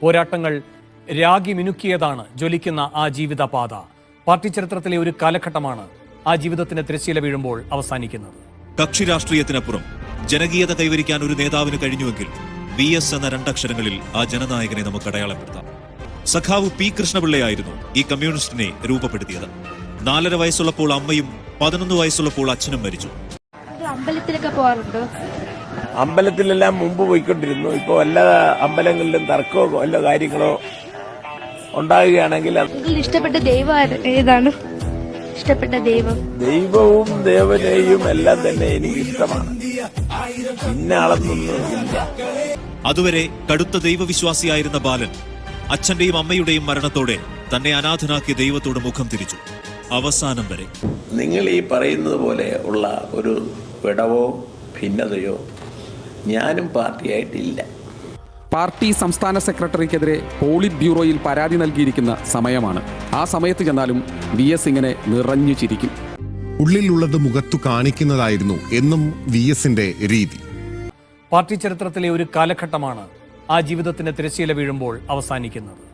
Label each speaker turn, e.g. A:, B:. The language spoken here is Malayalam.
A: പോരാട്ടങ്ങൾ രാഗി മിനുക്കിയതാണ് ജ്വലിക്കുന്ന ആ ജീവിതപാത. പാർട്ടി ചരിത്രത്തിലെ ഒരു കാലഘട്ടമാണ് ആ ജീവിതത്തിന് തിരശ്ശീല വീഴുമ്പോൾ അവസാനിക്കുന്നത്.
B: കക്ഷി രാഷ്ട്രീയത്തിനപ്പുറം ജനകീയത കൈവരിക്കാൻ ഒരു നേതാവിന് കഴിഞ്ഞുവെങ്കിൽ VS എന്ന രണ്ടക്ഷരങ്ങളിൽ ആ ജനനായകനെ നമുക്ക് അടയാളപ്പെടുത്താം. സഖാവ് P. കൃഷ്ണപിള്ളയായിരുന്നു ഈ കമ്മ്യൂണിസ്റ്റിനെ രൂപപ്പെടുത്തിയത്. 4.5 വയസ്സുള്ളപ്പോൾ അമ്മയും 11 വയസ്സുള്ളപ്പോൾ അച്ഛനും മരിച്ചു.
C: അമ്പലത്തിലൊക്കെ പോകാറുണ്ടോ?
D: അമ്പലത്തിലെല്ലാം മുമ്പ് പോയിക്കൊണ്ടിരുന്നു. ഇപ്പോൾ എല്ലാ അമ്പലങ്ങളിലും തർക്കമോ വല്ല കാര്യങ്ങളോ ഉണ്ടാകുകയാണെങ്കിൽ
C: ഇഷ്ടപ്പെട്ട ദൈവം ഏതാണ്? ഇഷ്ടപ്പെട്ട
D: ദൈവവും ദേവനെയും എല്ലാം തന്നെ എനിക്ക് ഇഷ്ടമാണ്. ഇന്ന ആളെന്നൊന്നുമില്ല.
B: അതുവരെ കടുത്ത ദൈവവിശ്വാസിയായിരുന്ന ബാലൻ അച്ഛന്റെയും അമ്മയുടെയും മരണത്തോടെ തന്നെ അനാഥനാക്കിയ ദൈവത്തോട് മുഖം തിരിച്ചു. അവസാനം വരെ
D: നിങ്ങൾ ഈ പറയുന്നത് പോലെ ഉള്ള ഒരു വിടവോ ഭിന്നതയോ ഞാനും പാർട്ടിയായിട്ടില്ല.
E: പാർട്ടി സംസ്ഥാന സെക്രട്ടറിക്കെതിരെ പോളിറ്റ് ബ്യൂറോയിൽ പരാതി നൽകിയിരിക്കുന്ന സമയമാണ്. ആ സമയത്ത് ചെന്നാലും VS ഇങ്ങനെ നിറഞ്ഞു ചിരിക്കും.
F: ഉള്ളിലുള്ളത് മുഖത്തു കാണിക്കുന്നതായിരുന്നു എന്നും VSന്റെ രീതി.
A: പാർട്ടി ചരിത്രത്തിലെ ഒരു കാലഘട്ടമാണ് ആ ജീവിതത്തിന് തിരശ്ശീല വീഴുമ്പോൾ അവസാനിക്കുന്നത്.